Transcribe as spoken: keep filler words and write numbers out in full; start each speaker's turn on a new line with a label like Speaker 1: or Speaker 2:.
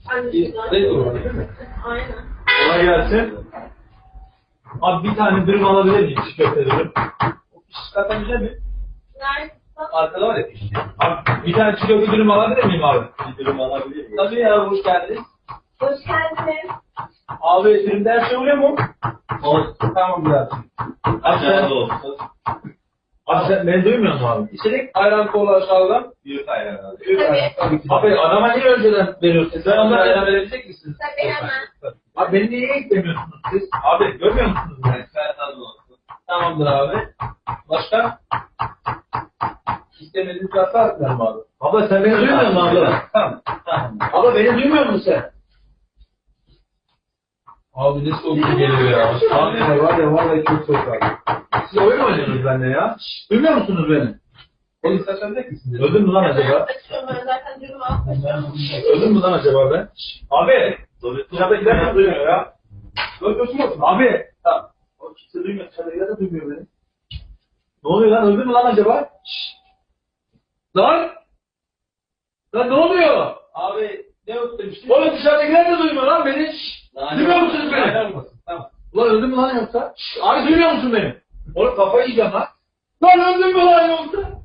Speaker 1: Ne olur değil mi?
Speaker 2: Aynen.
Speaker 1: Kolay gelsin. Abi bir tane dürüm alabilir miyim? Çiğ köfte dürüm. O piş zaten güzel mi?
Speaker 2: Nerede?
Speaker 1: Arkada var ya piş. Abi bir tane çiğ köfte dürüm alabilir miyim abi? Bir dürüm alabilir miyim? Tabii ya, hoş geldiniz.
Speaker 2: Hoş geldiniz.
Speaker 1: Abi dürümde her şey oluyor mu? Olsun. Tamam biraz. Abi sen... Abi sen beni duymuyor musun abi? İçerik ayran kola aşağıdan. Büyük ayran abi. Büyük ayran. Tabii ki. Abi adama niye önceden veriyorsunuz? Sen onlara ayran verebilecek misiniz?
Speaker 2: Tabii hemen.
Speaker 1: Abi beni niye eklemiyorsunuz siz? Abi görmüyor musunuz beni? Tamamdır abi. Başka? İstemediğiniz hata atlar mı abi? Abla sen beni duymuyor musun abla? Tamam. Tamam. Abla beni duymuyor musun sen? Abi ne soğuk geliyor ya. Abi ya var ya vallahi çok soğuk abi. Siz oyun mu oynuyorsunuz benimle ya? Şşş, duymuyor musunuz beni? Polis saçacak mısınız? Öldün mü lan acaba?
Speaker 2: Açıyorum ben zaten dürüm almışım.
Speaker 1: Öldün mü lan acaba ben? Şşş, abi! Dışarıdakiler de duymuyor ya. Öldürsün musun? Abi! Tamam. O kimse duymuyor. Dışarıdakiler de duymuyor beni. Ne oluyor lan? Öldün mü lan acaba? Şşş! Lan! Lan ne oluyor? Abi ne öldürmüştün? Oğlum dışarıdakiler de duymuyor lan beni. Şşş! Duymuyor musunuz beni? Tamam. Ulan öldün mü lan yoksa? Şşş! Abi duymuyor musun beni? Oğlum kafayı yiyeceğim lan. Lan öldün mü lan yoksa?